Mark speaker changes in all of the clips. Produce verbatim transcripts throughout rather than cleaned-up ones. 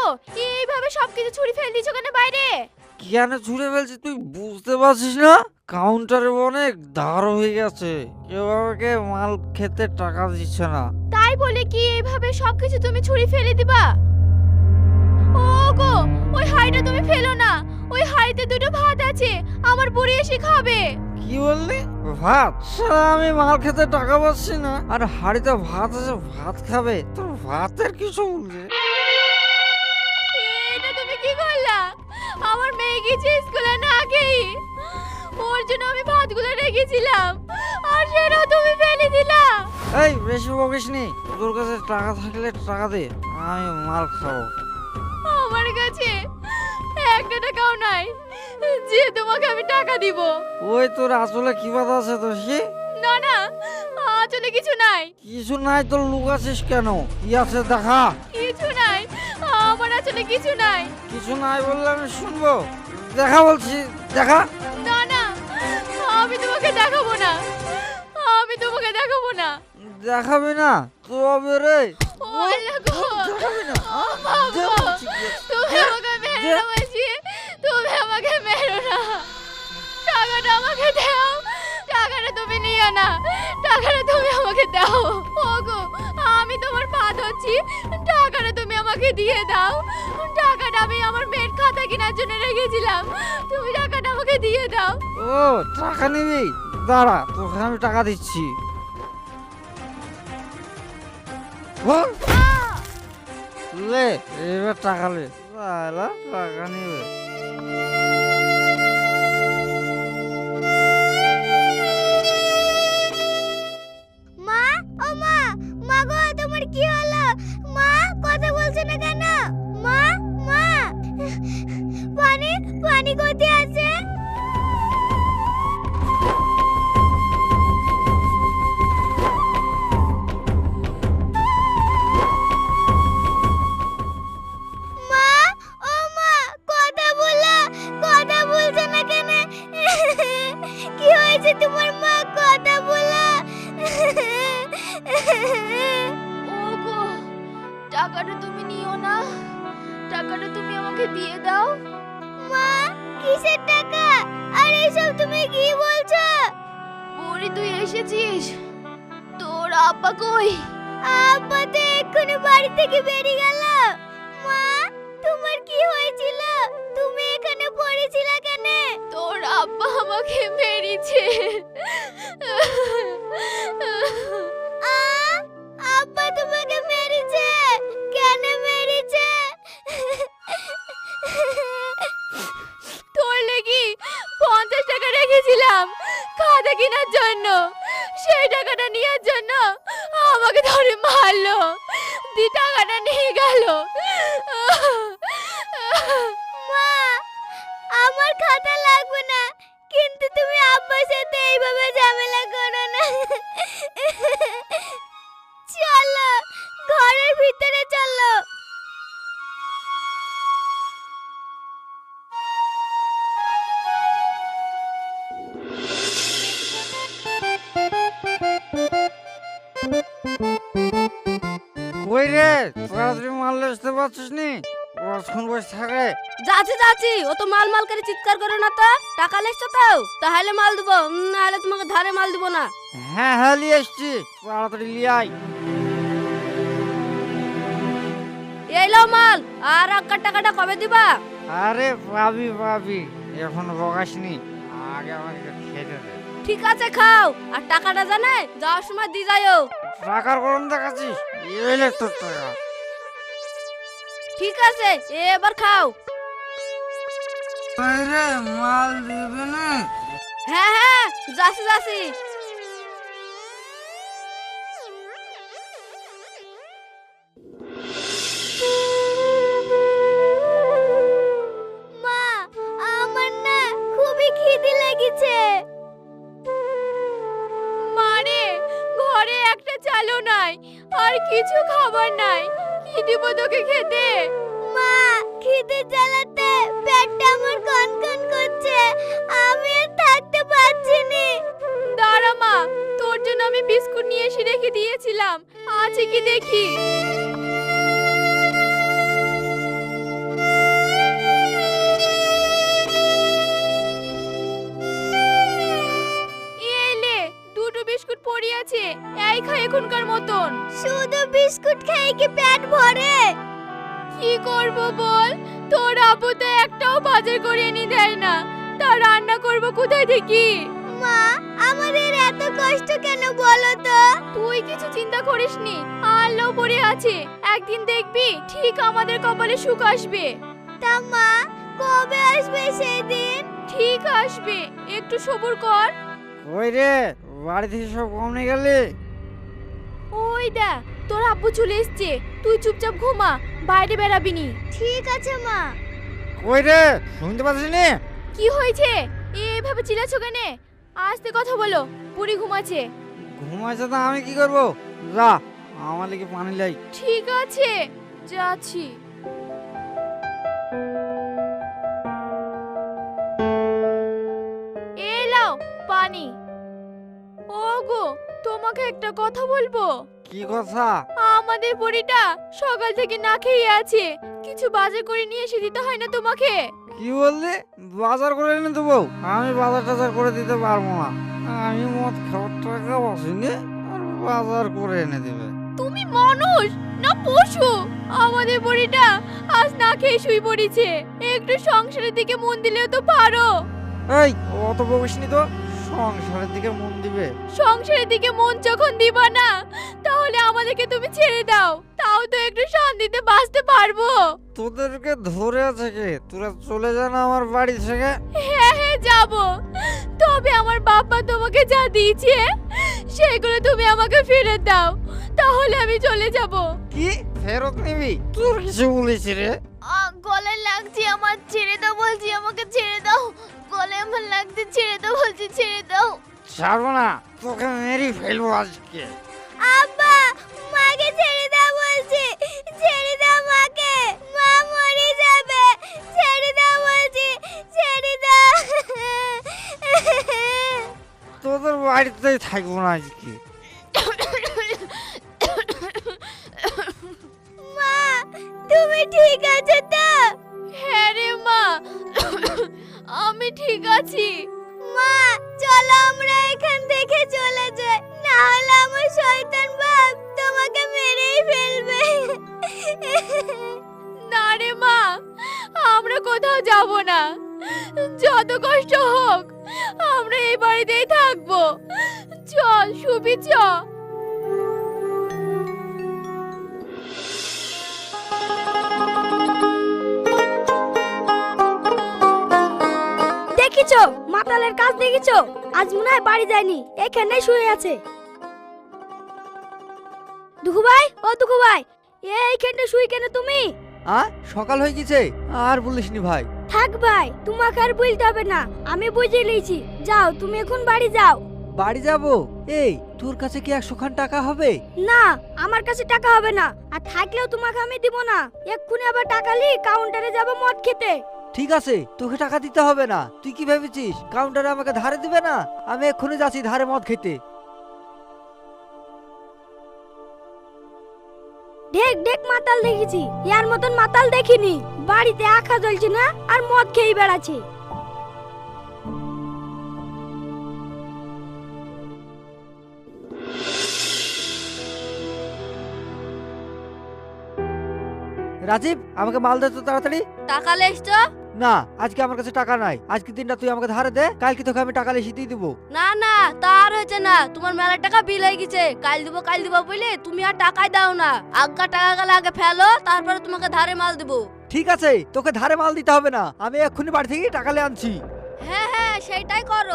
Speaker 1: গো, এইভাবে সবকিছু ছুঁড়ে ফেলে দিছো কেন বাইরে?
Speaker 2: কেন ছুঁড়ে ফেলছি তুই বুঝতে পারছিস না? কাউন্টারে অনেক ধার হয়ে গেছে, কেউ আমাকে মাল খেতে টাকা দিচ্ছে না।
Speaker 1: তাই বলে কি এইভাবে সবকিছু তুমি ছুঁড়ে ফেলে দিবা? ও গো, ওই হাঁড়িটা তুমি ফেলো না, ওই হাঁড়িতে দুটো ভাত আছে, আমার বুড়ি এসে খাবে।
Speaker 2: কি বললি? ভাত? শালা আমি মাল খেতে টাকা পাচ্ছি না আর হাড়িতে ভাত আছে, ভাত খাবে? তোর ভাতের কিছু বলছে?
Speaker 1: এটা তুমি কি করলা? আমার মেয়ে গেছে স্কুলে না খেয়ে, ওর জন্য আমি ভাতগুলো রেখেছিলাম, আর সেটাও তুমি ফেলে দিলা।
Speaker 2: এই বেশি বকিস নি, তোর কাছে টাকা থাকলে টাকা দে, আমি মাল খাবো।
Speaker 1: আমার কাছে একটা টাকাও নাই যে তোমাকে আমি টাকা দিব।
Speaker 2: ওই তোর আসলে কি বাধা আছে তো সে?
Speaker 1: না না, আসলে কিছু নাই।
Speaker 2: কিছু নাই তোর লুকাচ্ছিস কেন? কি আছে দেখা।
Speaker 1: কিছু নাই, আমার আসলে কিছু নাই।
Speaker 2: কিছু নাই বললে আমি শুনবো? দেখা বলছি, দেখা।
Speaker 1: না না, আমি তোমাকে দেখাবো না, আমি তোমাকে দেখাবো না।
Speaker 2: দেখাবি না তবে রে?
Speaker 1: ও আল্লাহ গো,
Speaker 2: দেখাবি না?
Speaker 1: ও
Speaker 2: হ্যাঁ? দে
Speaker 1: বাবা,
Speaker 2: বলছি, দে।
Speaker 1: তুমি
Speaker 2: দে,
Speaker 1: আমাকে মেরো
Speaker 2: দে।
Speaker 1: না বলছি, তুমি আমাকে মেরো না। টাকাটা আমাকে দাও, টাকাটা তুমি নিও না, টাকাটা তুমি আমাকে দাও। ওগো, আমি তোমার পা ধরছি, টাকাটা তুমি আমাকে দিয়ে দাও। টাকাটা আমি আমার মেয়ের খাতা কেনার জন্য রেখেছিলাম, তুমি টাকাটা আমাকে দিয়ে দাও।
Speaker 2: ও টাকা নিবি? দাঁড়া, তোকে আমি টাকা দিচ্ছি। বল।
Speaker 1: আহ!
Speaker 2: লে, এবার টাকা লে। লালা, টাকা নিবে।
Speaker 1: মা, ও মা, মা গো, তোমার কি হলো? মা কথা বলছে না কেন? মা, মা, পানি, পানি কোথায় আছে? মা, ও মা, কথা বলো, কথা বলছে না কেন? কি হয়েছে তোমার মা? কথা বলো। ওগো, টাকাটা তুমি নিও না, টাকাটা তুমি আমাকে দিয়ে দাও। মা, কিসের টাকা? আর এইসব তুমি কি বলছো? বুড়ি, তুই এসেছিস? তোর আব্বা কই? আব্বা তো এক্ষুনি বাড়ি থেকে বেরিয়ে গেল। মা, তোমার কি হয়েছিল? তুমি এখানে পড়েছিলে কেন? তোর আব্বা আমাকে মেরেছে। আ, আব্বা তোমাকে মেরেছে? কেন মেরেছে? তোর লেগে পঞ্চাশ টাকা রেখেছিলাম খাতা কেনার জন্য, সেই টাকাটা নেওয়ার জন্য আমাকে ধরে মারলো, দি টাকাটা নিয়ে গেল। মা, আমার খাতা লাগবে না, কিন্তু তুমি আব্বার সাথে এইভাবে ঝামেলা করো না। চলো, ঘরের ভিতরে চলো।
Speaker 2: কই রে, তাড়াতাড়ি মাল আসতে পারছিস নি? কতক্ষণ বসে থাকে?
Speaker 3: যাচ্ছি যাচ্ছি, ও তো মাল মাল করে চিৎকার করো না তো। টাকা লেসছো তো, তাহলে মাল দেবো, নাহলে তোমাকে ধারে মাল দিব না।
Speaker 2: হ্যাঁ হ্যাঁ নিয়ে এসছি, তাড়াতাড়ি নিয়ে আয়।
Speaker 3: এই লাও মাল, আর আগের টাকাটা কবে দিবা?
Speaker 2: আরে পাবি পাবি, এখন বকাসনি, আগে আমাকে খেতে দে।
Speaker 3: ঠিক আছে খাও, আর টাকাটা জানে যাওয়ার সময় দিয়ে যাইও।
Speaker 2: টাকার গরম দেখাচ্ছিস? এলে তোর টাকা।
Speaker 3: ঠিক আছে, এবার খাও।
Speaker 2: আরে মাল দিবে না?
Speaker 3: হ্যাঁ হ্যাঁ, যাচ্ছি যাচ্ছি।
Speaker 1: মা, আমার না খুবই খিদে লেগেছে। মারে, ঘরে একটা চালও নাই, আর কিছু খাবার নাই, কি দিব তোকে খেতে? মা, খিদে জ্বালাতে পেটটা আমার কনকন করছে, আমি আর থাকতে পারছি না। দাঁড়া মা, তোর জন্য আমি বিস্কুট নিয়ে এসে রেখে দিয়েছিলাম, আছে কি দেখি। মতন। শুধু বিস্কুট খেয়ে কি পেট ভরে? কি করব বল, তোর আব্বু তো একটাও বাজার করে এনে দেয় না, তা রান্না করব কোথায় থেকে? মা, আমাদের এত কষ্ট কেন বলো তো? তুই কিছু চিন্তা করিস নি, আল্লাহ পড়ে আছে, একদিন দেখবি ঠিক আমাদের কপালে সুখ আসবে। তা মা, কবে আসবে সেই দিন? ঠিক আসবে, একটু সবুর কর।
Speaker 2: ওই রে, বাড়ি থেকে সব কমে গেলে?
Speaker 1: ওই দা, তোর আব্বু চলে এসছে, তুই চুপচাপ ঘুমা, বাইরে বেরাবি নি। ঠিক আছে মা।
Speaker 2: ওই রে, শুনতে পাচ্ছিস নি?
Speaker 1: কি হয়েছে? এভাবে চিল্লাছো কেন? আস্তে কথা বলো, বুড়ি ঘুমাচ্ছে।
Speaker 2: ঘুমাইছে তো আমি কি করব? যা, আমার লেগে পানি লাই।
Speaker 1: ঠিক আছে, যাচ্ছি। এই লাও পানি। ওগো, তোমাকে একটা কথা বলবো।
Speaker 2: কি কথা?
Speaker 1: আমাদের বুড়িটা সকাল থেকে না খেয়ে আছে, কিছু বাজার করে নিয়ে এসে দিতে হয় না তোমাকে?
Speaker 2: কি বললি? বাজার করে এনে দেবো? আমি বাজার টাজার করে দিতে পারবো না, আমি মদ খাওয়ার টাকা বসিনি, আর বাজার করে এনে দিবে।
Speaker 1: তুমি মানুষ না পশু? আমাদের বুড়িটা আজ না খেয়ে শুয়ে পড়েছে, একটু সংসারের দিকে মন দিলেও তো পারো।
Speaker 2: এই, অত বকিসনি তো, সংসারের দিকে মন দিবে।
Speaker 1: সংসারের দিকে মন যখন দিবা না, তাহলে আমাদেরকে তুমি ছেড়ে দাও, তাও তো একটু শান্তিতে বাঁচতে পারবো।
Speaker 2: তোদেরকে ধরে আছে কে? তোরা চলে যা না আমার বাড়ি থেকে।
Speaker 1: হ্যাঁ হ্যাঁ যাবো, তবে আমার বাবা তোমাকে যা দিয়েছে সেগুলো তুমি আমাকে ফেরত দাও, তাহলে আমি চলে যাব।
Speaker 2: কি ফেরত নিবি? তোর কিছু বলেছি রে?
Speaker 1: গলায় লাগছে আমার, ছেড়ে দাও বলছি, আমাকে ছেড়ে দাও। গলায় আমার লাগছে, ছেড়ে দাও বলছি, ছেড়ে দাও।
Speaker 2: ছাড়বো না, তোকে মেরে ফেলবো আজকে।
Speaker 1: আব্বা, মাকে ছেড়ে দাও বলছি, ছেড়ে দাও মাকে, মা মরে যাবে, ছেড়ে দাও বলছি, ছেড়ে দাও।
Speaker 2: তোদের বাড়িতেই থাকবো না আজকে।
Speaker 1: মা, তুমি ঠিক আছো তো? হ্যাঁ রে মা, আমি ঠিক আছি। মা, চলো আমরা এখান থেকে চলে যাই, না হলে আমার শয়তান বাপ তোমাকে মেরেই ফেলবে। না রে মা, আমরা কোথাও যাব না, যত কষ্ট হোক আমরা এই বাড়িতেই থাকবো। চল সুবি, চ।
Speaker 3: দেখিছো মাতালের কাজ দেখিছো, আজ মনে হয় বাড়ি যায়নি, এখানে শুয়ে আছে। দুঃখু ভাই, ও দুঃখু ভাই, এইখানে শুই কেন তুমি?
Speaker 4: আ সকাল হয়ে গেছে, আর বলিসনি ভাই।
Speaker 3: থাক ভাই, তোমাকে আর বলতে হবে না, আমি বুঝে নিয়েছি, যাও তুমি এখন বাড়ি যাও।
Speaker 4: বাড়ি যাব? এই তোর কাছে কি একশো খান টাকা হবে?
Speaker 3: না, আমার কাছে টাকা হবে না, আর থাকলেও তোমাকে আমি দিব না, এক্ষুনি আবার টাকা লি কাউন্টারে যাব মদ খেতে।
Speaker 4: ঠিক আছে, তোকে টাকা দিতে হবে না। তুই কি ভেবেছিস কাউন্টারে আমাকে ধারে দিবে না? আমি এক্ষুনি যাচ্ছি ধারে মদ খেতে।
Speaker 3: ঢেক ঢেক মাতাল দেখেছি, ইয়ার মতন মাতাল দেখিনি। বাড়িতে আখা জ্বলছে না আর মদ খেয়ে বেড়াচ্ছে।
Speaker 4: রাজীব, আমাকে মাল দে তো তাড়াতাড়ি।
Speaker 3: টাকা লেসছো?
Speaker 4: না, আজকে আমার কাছে টাকা নাই। আজকে দিনটা তুই আমাকে ধারে দে, কালকে তোকে আমি টাকা লিখে দিয়ে দিব।
Speaker 3: না না, তা আর হয়েছে না, তোমার মেলা টাকা বিল হয়ে গেছে, কাল দিব কাল দিব বলে তুমি আর টাকাই দাও না। আগা টাকা গেলে আগে ফেলো, তারপরে তোমাকে ধারে মাল দেবো।
Speaker 4: ঠিক আছে, তোকে ধারে মাল দিতে হবে না, আমি এক্ষুনি বাড়ি থেকে টাকা নিয়ে আনছি।
Speaker 3: হ্যাঁ হ্যাঁ, সেটাই করো।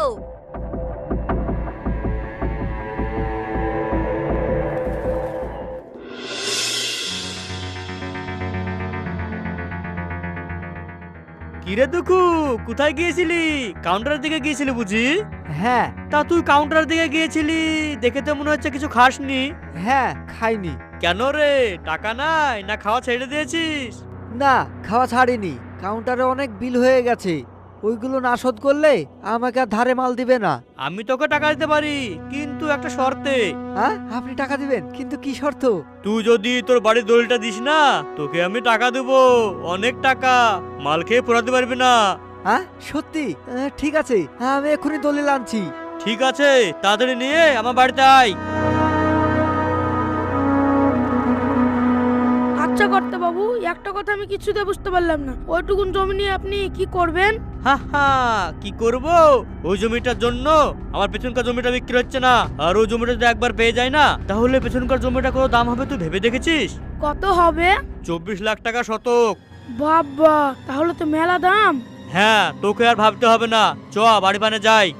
Speaker 5: কিরে দুঃখু, কোথায় গিয়েছিলি? কাউন্টারের দিকে গিয়েছিলি বুঝি?
Speaker 4: হ্যাঁ
Speaker 5: তা তুই কাউন্টারের দিকে গিয়েছিলি, দেখে তো মনে হচ্ছে কিছু খাসনি।
Speaker 4: হ্যাঁ, খাইনি।
Speaker 5: কেন রে, টাকা নাই না খাওয়া ছেড়ে দিয়েছিস?
Speaker 4: না, খাওয়া ছাড়িনি, কাউন্টারে অনেক বিল হয়ে গেছে, ওইগুলো না শোধ করলে আমাকে আর ধারে মাল দিবে না।
Speaker 5: আমি তোকে টাকা দিতে পারি, কিন্তু একটা শর্তে।
Speaker 4: হ্যাঁ, আপনি টাকা দিবেন, কিন্তু কি শর্ত?
Speaker 5: তুই যদি তোর বাড়ির দলিলটা দিস না, তোকে আমি টাকা দেবো, অনেক টাকা, মাল খেয়ে পোড়াতে পারবি না।
Speaker 4: হ্যাঁ সত্যি? আহ, ঠিক আছে, আমি এক্ষুনি দলিল আনছি।
Speaker 5: ঠিক আছে, তাড়াতাড়ি নিয়ে আমার বাড়িতে আয়।
Speaker 6: আচ্ছা কর্তা বাবু, একটা কথা আমি কিছুতে বুঝতে পারলাম না, ওইটুকুন জমি নিয়ে আপনি কি করবেন?
Speaker 5: হা হা কি করব? ওই জমিটার জন্য আমার পেছনকার জমিটা বিক্রি হচ্ছে না, আর ওই জমিটা যদি একবার পেয়ে যায় না, তাহলে পেছনকার জমিটা কত দাম হবে তুই ভেবে দেখেছিস?
Speaker 6: কত হবে?
Speaker 5: চব্বিশ লাখ টাকা শতক।
Speaker 6: বাবা, তাহলে তো মেলা দাম।
Speaker 5: হ্যাঁ, তোকে আর ভাবতে হবে না, চ বাড়ি পানে যাই।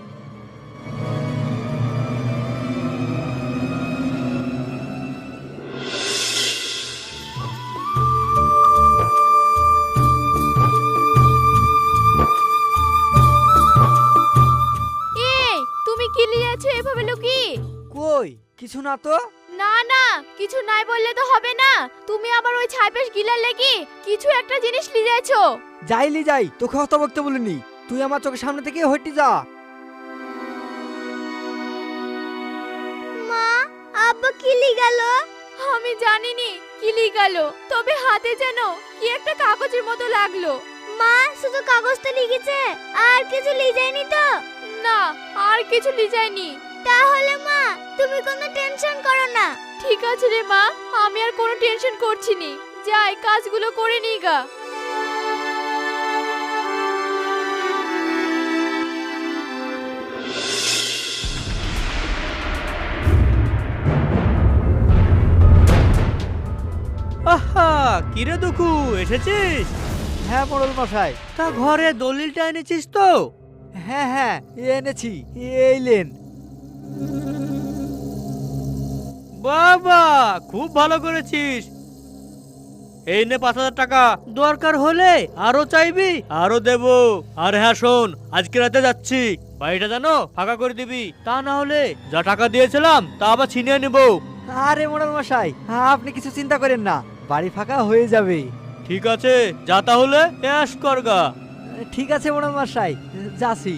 Speaker 1: এই তুমি কি লিয়েছো এভাবে লুকি?
Speaker 4: কই কিছু না তো।
Speaker 1: না না, কিছু নাই বললে তো হবে না। তুমি আবার ওই ছাইপেশ গিলার লেগে কিছু একটা জিনিস লিয়েছো।
Speaker 4: যাইলি যাই, তোকে অত বকতে বলিনি। তুই আমার চোখের সামনে থেকে হটি যা।
Speaker 1: মা, আব্বা কি লিগাল? আমি জানিনি কি লিগাল, তবে হাতে যেন কি একটা কাগজের মতো লাগলো। মা, শুধু কাগজটা লিখেছে, আর কিছু লিজায়নি তো? না, আর কিছু লিজায়নি। তাহলে মা, তুমি কোনো টেনশন করো না। ঠিক আছে রে মা, আমি আর কোনো টেনশন করছি নি। যাই কাজগুলো করে নিই গা।
Speaker 5: আহা কিরে দুঃখু, এসেছিস?
Speaker 4: হ্যাঁ মোড়ল মশাই।
Speaker 5: তা ঘরে দলিলটা এনেছিস তো?
Speaker 4: হ্যাঁ হ্যাঁ এনেছি, এই লেন।
Speaker 5: বাবা, খুব ভালো করেছিস। এই নে পাঁচ হাজার টাকা, দরকার হলে আরো চাইবি আরো দেব। আর হ্যাঁ শোন, আজকে রাতে যাচ্ছি, বাড়িটা জানো ফাঁকা করে দিবি, তা না হলে যা টাকা দিয়েছিলাম তা আবার ছিনিয়ে নেব।
Speaker 4: আরে মোড়ল মশাই, আপনি কিছু চিন্তা করেন না, বাড়ি ফাঁকা হয়ে যাবে।
Speaker 5: ঠিক আছে, যা তাহলে এস করগা।
Speaker 4: ঠিক আছে মোড়ল মশাই, যাচ্ছি।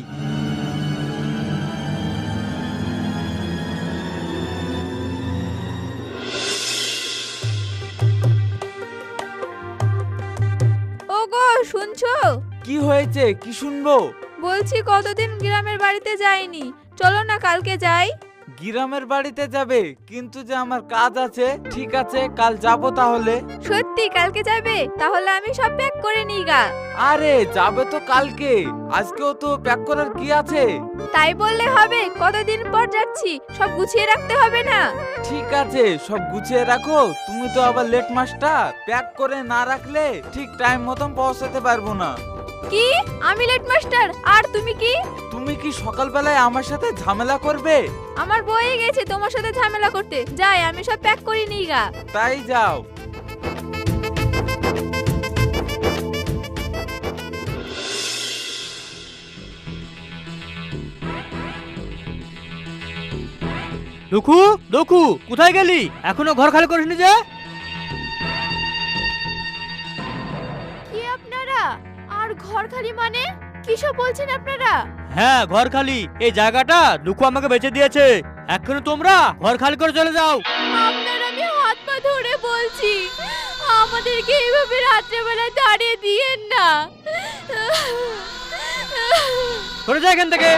Speaker 7: ওগো শুনছো?
Speaker 8: কি হয়েছে, কি শুনবো?
Speaker 7: বলছি কতদিন গ্রামের বাড়িতে যাইনি, চলো না কালকে যাই।
Speaker 8: গ্রামের বাড়িতে যাবে? কিন্তু যে আমার কাজ আছে। ঠিক আছে, কাল যাব তাহলে।
Speaker 7: সত্যি কালকে যাবে? তাহলে আমি সব প্যাক করে নিই গা।
Speaker 8: আরে যাবে তো কালকে, আজকেও তো প্যাক করার কি আছে?
Speaker 7: তাই বললে হবে? কতদিন পর যাচ্ছি, সব গুছিয়ে রাখতে হবে না?
Speaker 8: ঠিক আছে, সব গুছিয়ে রাখো। তুমি তো আবার লেট মাস্টার, প্যাক করে না রাখলে ঠিক টাইম মতন পৌঁছাতে পারবো না।
Speaker 7: কি? আমি লেট মাস্টার আর তুমি কি?
Speaker 8: তুমি কি সকালবেলায় আমার সাথে ঝামেলা করবে?
Speaker 7: আমার বয়ে গেছে তোমার সাথে ঝামেলা করতে। যাই, আমি সব প্যাক করে নিই গা।
Speaker 8: তাই যাও।
Speaker 5: দুঃখু, দুঃখু কোথায় গেলি? এখনো ঘর খালি করিসনি যে?
Speaker 1: কি আপনারা? আর ঘর খালি মানে কি সব বলছেন আপনারা?
Speaker 5: হ্যাঁ, ঘর খালি। এই জায়গাটা দুঃখু আমাকে বেচে দিয়েছে। এখন তোমরা ঘর খালি করে চলে যাও।
Speaker 1: আপনার আমি হাত পা ধরে বলছি, আমাদেরকে এইভাবে রাত্রেবেলা দাঁড়িয়ে দিয়েন না।
Speaker 5: সরে যা এখান থেকে।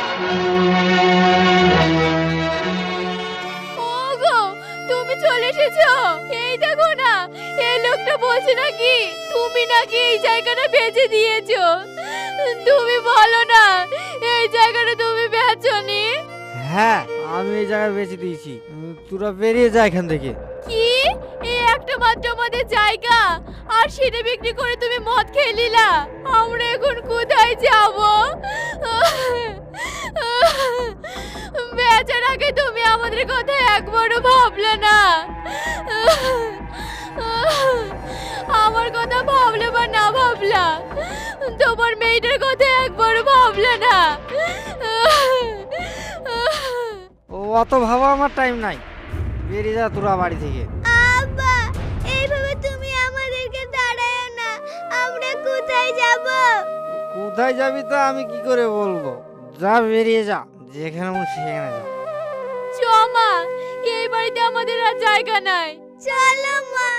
Speaker 1: ওগো, তুমি চলে এসেছো? এই দেখো না, এই লোকটা বলছে নাকি তুমি নাকি এই জায়গাটা বেচে দিয়েছো। তুমি বলো না, এই জায়গাটা তুমি বেচোনি?
Speaker 2: হ্যাঁ, আমি এই জায়গায় বেঁচে দিয়েছি। উম, তোরা বেরিয়ে যা এখান থেকে।
Speaker 1: কি? এই একটা মাত্র আমাদের জায়গা, আর সেটা বিক্রি করে তুমি মদ খেয়ে নিলা? আমরা এখন কোথায় যাব? বেচার আগে তুমি আমাদের কথা একবারও ভাবলে না। আমার কথা ভাবলে বা না ভাবলা, তোমার মেয়েটার কথা একবারও ভাবলে না।
Speaker 2: ও অত ভাবা আমার টাইম নাই, বেরিয়ে যা তোরা বাড়ি থেকে।
Speaker 1: আব্বা, এইভাবে তুমি আমাদেরকে দাঁড়ায় না, আমরা কোথায় যাব?
Speaker 2: কোথায় যাবি তা আমি কি করে বলবো? যা বেরিয়ে যা, যেখানে মন সেখানে যা।
Speaker 1: চমা, এই বাড়িতে আমাদের আর জায়গা নাই। চলো মা।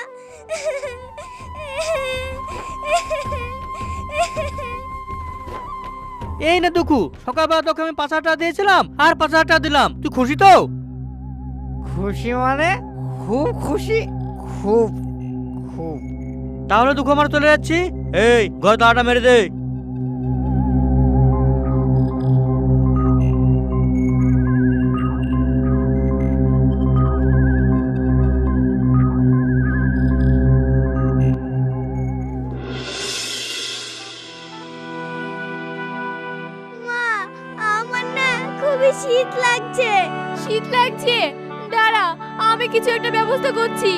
Speaker 5: এই না দুঃখু, সকালবেলা তোকে আমি পাঁচ হাজার টাকা দিয়েছিলাম আর পাঁচ হাজার টাকা দিলাম, তুই খুশি তো?
Speaker 2: খুশি মানে খুব খুশি, খুব খুব।
Speaker 5: তাহলে দুঃখ আমার চলে যাচ্ছি। এই ঘরে তালাটা মেরে দে।
Speaker 1: মা, আমার না খুবই শীত লাগছে।
Speaker 7: শীত লাগছে? দাঁড়া, আমি কিছু একটা ব্যবস্থা করছি।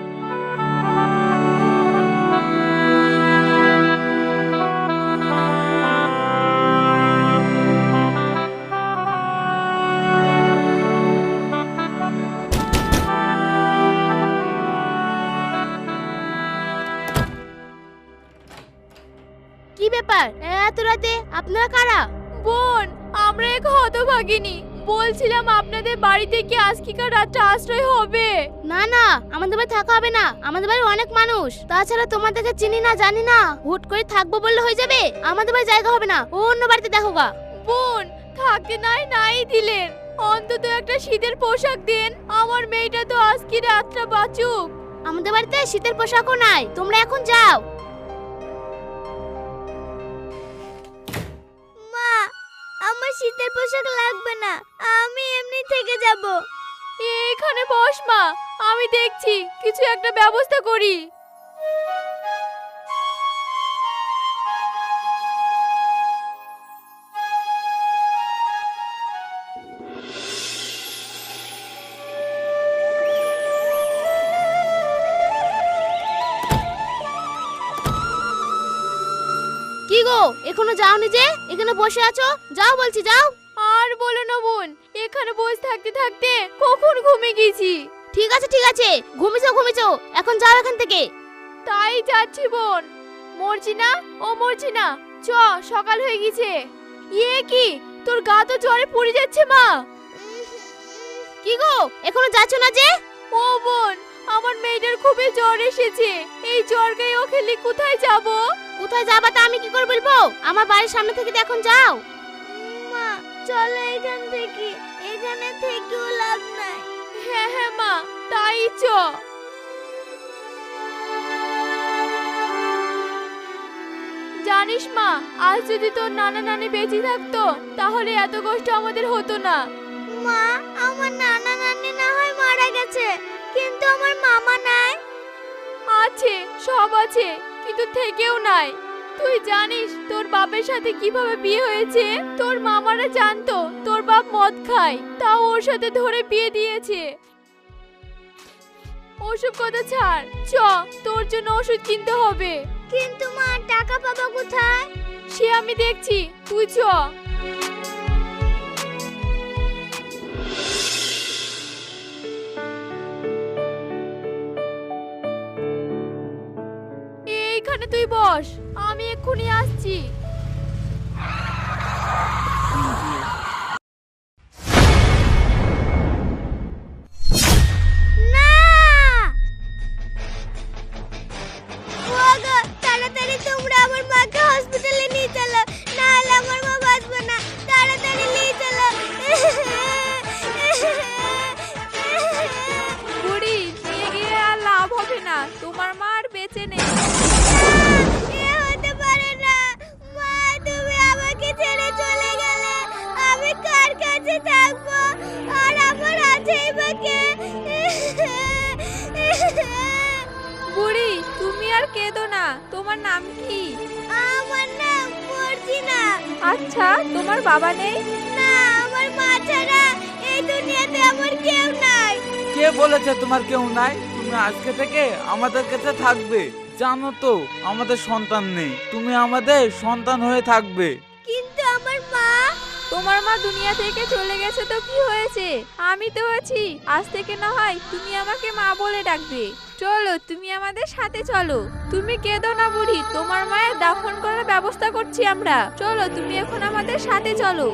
Speaker 1: কি ব্যাপার এত রাতে আপনারা কারা?
Speaker 7: বোন, আমরা এক হতভাগিনী। বলছিলাম আপনাদের বাড়িতে কি আজকিকার রাতটা আশ্রয় হবে?
Speaker 1: না না, আমাদের বাড়ি থাকা হবে না। আমাদের বাড়ি অনেক মানুষ, তাছাড়া তোমাদেরকে চিনি না জানি না, হুট করে থাকবো বললে হয়ে যাবে? আমাদের বাড়ি জায়গা হবে না, ও অন্য বাড়িতে দেখো গা।
Speaker 7: বোন, থাকতে নাই নাই দিলেন, অন্তত একটা শীতের পোশাক দেন। আমার মেয়েটা তো আজকে রাতটা বাঁচুক।
Speaker 1: আমাদের বাড়িতে শীতের পোশাকও নাই, তোমরা এখন যাও। মা, আমার শীতের পোশাক লাগবে না, আমি এমনি থেকে যাব।
Speaker 7: এখানে বস মা, আমি দেখছি কিছু একটা ব্যবস্থা করি।
Speaker 1: কি গো, এখনো যাওনি যে? এখানে বসে আছো, যাও বলছি, যাও।
Speaker 7: আর বলো না বোন, এখানে বসে থাকতে থাকতে কখন ঘুমিয়ে গেছি।
Speaker 1: ঠিক আছে ঠিক আছে, ঘুমিয়েছো ঘুমিয়েছো, এখন যাও এখান থেকে।
Speaker 7: তাই যাচ্ছি বোন। মরছি না, ও মরছি না, চ, সকাল হয়ে গেছে। ইয়ে কি, তোর গা তো জ্বরে পড়ে যাচ্ছে মা।
Speaker 1: কি গো, এখনো যাচ্ছ না যে?
Speaker 7: ও বোন, আমার মেয়েটার খুবই জ্বর এসেছে। এই জ্বর গায়ে ও খেলে কোথায় যাব?
Speaker 1: কোথায় যাবা তা আমি কি করে বলবো? আমার বাড়ির সামনে থেকে তো এখন যাও। মা, চলো এখান থেকে, এখানে থেকেও লাভ নাই।
Speaker 7: হ্যাঁ হ্যাঁ মা, তাই চ। জানিস মা, আজ যদি তোর নানা নানি বেঁচে থাকতো তাহলে এত কষ্ট আমাদের হতো না।
Speaker 1: মা, আমার নানা নানি না হয় মারা গেছে, কিন্তু আমার মামা নাই।
Speaker 7: আছে, সব আছে, কিন্তু থেকেও নাই। তুই জানিস তোর বাপের সাথে কিভাবে বিয়ে হয়েছে? তোর মামারা জানতো তোর বাপ মদ খায়, তাও ওর সাথে ধরে বিয়ে দিয়েছে। ওসব কথা ছাড়, চ, তোর জন্য ওষুধ কিনতে হবে।
Speaker 1: কিন্তু মা, টাকা পাবো কোথায়?
Speaker 7: সে আমি দেখছি, তুই চ। এইখানে তুই বস, আমি এক্ষুনি আসছি।
Speaker 1: না! ওগো, তাড়াতাড়ি তোমরা আমার মাকে হসপিটালে নিয়ে চলো, না হলে আমার মা বাঁচবে না। তাড়াতাড়ি নিয়ে চলো।
Speaker 7: বুড়ি, নিয়ে গিয়ে আর লাভ হবে না, তোমার মা আর বেঁচে নেই।
Speaker 1: এ হতে পারে না। মা, তুমি আমাকে ছেড়ে চলে গেলে আমি কার কাছে থাকবো? আর আমার আছেই বা কে?
Speaker 7: বুড়ি, তুমি আর কেঁদো না, তোমার নাম কি?
Speaker 1: আমার নাম মর্জিনা।
Speaker 7: আচ্ছা, তোমার বাবা নেই?
Speaker 1: না, আমার মা ছাড়া এই দুনিয়াতে আমার কেউ নাই।
Speaker 8: কে বলেছে তোমার কেউ নাই? তুমি আজকে থেকে আমাদের কাছে থাকবে। জানো তো আমাদের সন্তান নেই, তুমি আমাদের সন্তান হয়ে থাকবে।
Speaker 1: কিন্তু আমার মা,
Speaker 7: তোমার মা দুনিয়া থেকে চলে গেছে তো কি হয়েছে, আমি তো আছি। আজ থেকে না হয় তুমি আমাকে মা বলে ডাকবে। চলো, তুমি আমাদের সাথে চলো। তুমি কেঁদো না বুড়ি, তোমার মায়ের দাফন করার ব্যবস্থা করছি আমরা। চলো, তুমি এখন আমাদের সাথে চলো।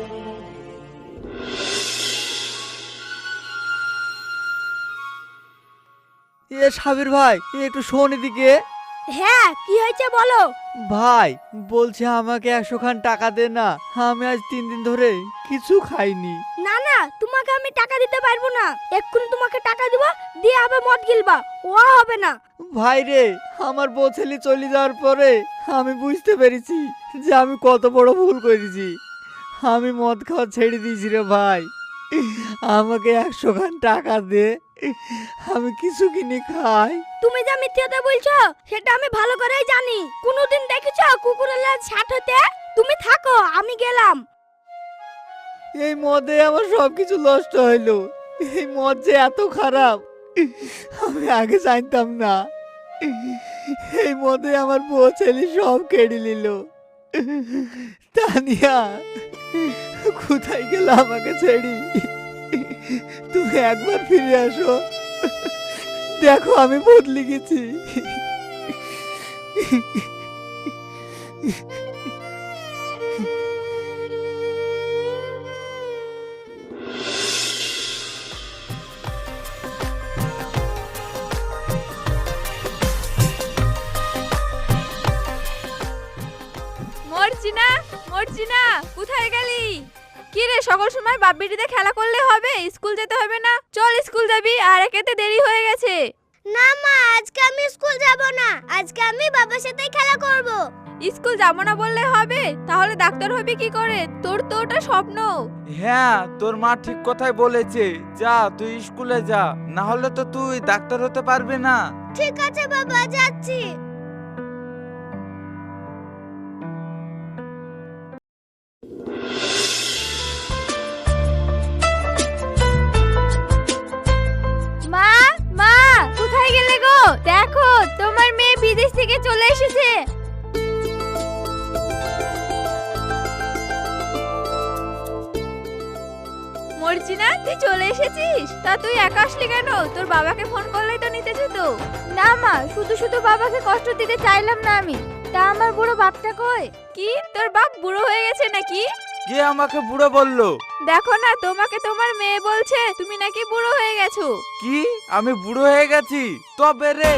Speaker 4: এ সাবির ভাই, একটু শোন এদিকে।
Speaker 1: হ্যাঁ, কি হয়েছে বলো।
Speaker 4: ভাই বলছে আমাকে একশো খান টাকা দে না, আমি আজ তিন দিন ধরে কিছু খাইনি।
Speaker 1: না না তোমাকে আমি টাকা দিতে পারবো না। এক্ষুনি তোমাকে টাকা দিব, দিয়ে আবার মদ গিলবা, ও হবে না।
Speaker 4: ভাই রে, আমার বউ ছেলে চলে যাওয়ার পরে আমি বুঝতে পেরেছি যে আমি কত বড় ভুল করেছি। আমি মদ খাওয়া ছেড়ে দিয়েছি রে ভাই। আমাকে একশো খান টাকা দে, আমি কিছু কিনে খাই।
Speaker 1: তুমি যা মিথ্যে কথা বলছো সেটা আমি ভালো করেই জানি। কোনোদিন দেখেছো কুকুরের লেজ ছাট হতে? তুমি থাকো, আমি গেলাম।
Speaker 4: এই মদে আমার সবকিছু নষ্ট হইলো। এই মদ যে এত খারাপ আমি আগে জানতাম না। এই মদে আমার বউ ছেলে সব কেড়ে নিল। তানিয়া, কোথায় গেল আমাকে ছেড়ি? তুমি একবার ফিরে আসো, দেখো আমি বদলে গেছি।
Speaker 7: মর্জিনা, মর্জিনা, কোথায় গেলি? কি রে, সকল সময় বাপ বেটিতে খেলা করলে হবে? স্কুল যেতে হবে না? চল স্কুল যাবি, আর একেতে দেরি হয়ে গেছে।
Speaker 1: না মা, আজকে আমি স্কুল যাব না। আজকে আমি বাবার সাথে খেলা করব।
Speaker 7: স্কুল যাবো না বললে হবে? তাহলে ডাক্তার হবি কি করে? তোর তো ওটা স্বপ্ন।
Speaker 8: হ্যাঁ, তোর মা ঠিক কথাই বলেছে। যা তুই স্কুলে যা, না হলে তো তুই ডাক্তার হতে পারবি না।
Speaker 1: ঠিক আছে বাবা, যাচ্ছি।
Speaker 3: মা, মা, কোথায় গেলে গো? দেখো তোমার মেয়ে বিদেশ থেকে চলে এসেছে।
Speaker 7: মর্জিনা, তুই চলে এসেছিস? তা তুই একা আসলি কেন? তোর বাবাকে ফোন করলেই তো নিতে যেত।
Speaker 3: না মা, শুধু শুধু বাবাকে কষ্ট দিতে চাইলাম না আমি। তা আমার বুড়ো বাপটা কই?
Speaker 7: কি, তোর বাপ বুড়ো হয়ে গেছে নাকি?
Speaker 8: কে আমাকে বুড়ো বললো?
Speaker 7: দেখো না, তোমাকে তোমার মেয়ে বলছে তুমি নাকি বুড়ো হয়ে গেছো।
Speaker 8: কি, আমি বুড়ো হয়ে গেছি? তবে রে,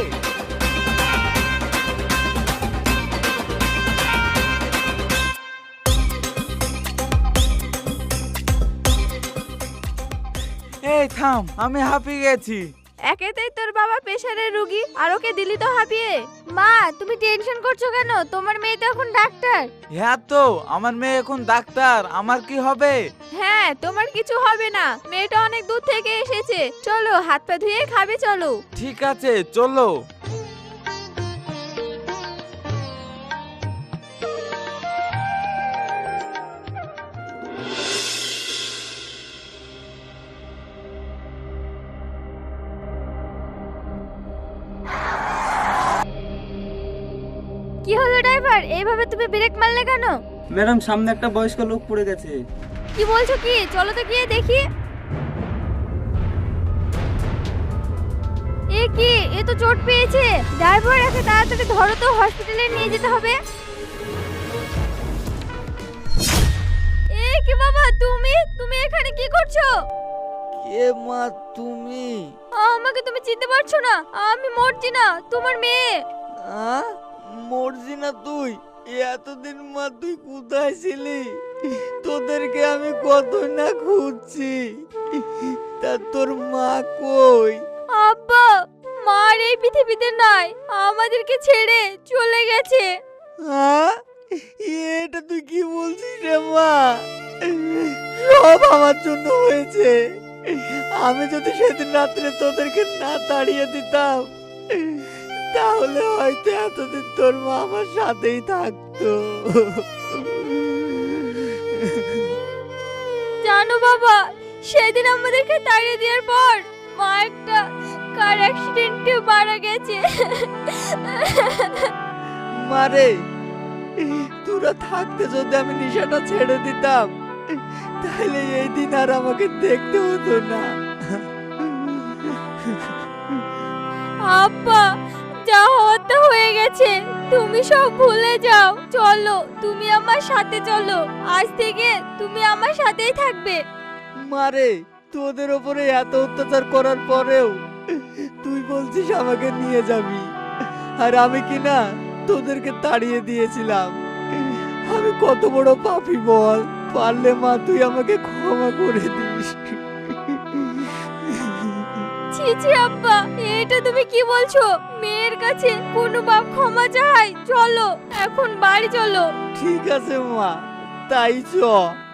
Speaker 8: এই থাম, আমি হাঁপিয়ে গেছি।
Speaker 7: একেতেই তোর বাবা প্রেশারের রুগী, আর ওকে দিলি তো হাঁপিয়ে।
Speaker 3: মা, তুমি টেনশন করছো কেন? তোমার মেয়ে তো এখন ডাক্তার।
Speaker 8: হ্যাঁ তো, আমার মেয়ে এখন ডাক্তার, আমার কি হবে?
Speaker 7: হ্যাঁ, তোমার কিছু হবে না। মেয়েটা অনেক দূর থেকে এসেছে। চলো, হাত পা ধুয়ে খাবে, চলো।
Speaker 8: ঠিক আছে, চলো।
Speaker 3: কি হলো ড্রাইভার, এইভাবে তুমি ব্রেক মারলে কেন?
Speaker 9: ম্যাডাম, সামনে একটা বয়স্ক লোক পড়ে গেছে।
Speaker 3: কি বলছো কি? চলো তো গিয়ে দেখি। এ কি, এ তো চোট পেয়েছে। ড্রাইভার, একে তাড়াতাড়ি ধরো তো, হসপিটালে নিয়ে যেতে হবে। এ কি বাবা, তুমি তুমি এখানে কি করছো?
Speaker 2: কে মা তুমি?
Speaker 3: আমাকে তুমি চিনতে পারছো না? আমি মর্জিনা, তোমার মেয়ে।
Speaker 2: আ মরজি না তুই? এতদিন মা তুই কোথায় ছিলি? তোদেরকে আমি কত না খুঁজছি। তা তোর মা কই?
Speaker 3: আব্বা, মার এই পৃথিবীতে নাই, আমাদেরকে ছেড়ে চলে গেছে।
Speaker 2: হ্যাঁ, এটা তুই কি বলছিস রে মা? সব আমার জন্য হয়েছে। আমি যদি সেদিন রাত্রে তোদেরকে না তাড়িয়ে দিতাম, তাহলে হয়তো এতদিন তোর মা আমার সাথেই থাকতো।
Speaker 3: জানো বাবা, সেদিন আমাদেরকে তাড়িয়ে দেওয়ার পর মা একটা কার অ্যাক্সিডেন্টে মারা গেছে।
Speaker 2: মারে, তোরা থাকতে যদি আমি নেশাটা ছেড়ে দিতাম, তাহলে এই দিন আর আমাকে দেখতে হতো না।
Speaker 3: আব্বা, যা হতে হয়ে গেছে, তুমি সব ভুলে যাও। চলো, তুমি আমার সাথে চলো। আজ থেকে তুমি আমার সাথেই থাকবে।
Speaker 2: মারে, তোদের ওপরে এত অত্যাচার করার পরেও তুই বলছিস আমাকে নিয়ে যাবি, আর আমি কি না তোদেরকে তাড়িয়ে দিয়েছিলাম। আমি কত বড় পাপী বল। পারলে মা তুই আমাকে ক্ষমা করে দিস।
Speaker 7: ছি ছি আব্বা, এটা তুমি কি বলছো? মেয়ের কাছে কোনো বাপ ক্ষমা চায়? চলো এখন বাড়ি চলো।
Speaker 2: ঠিক আছে মা, তাই চ।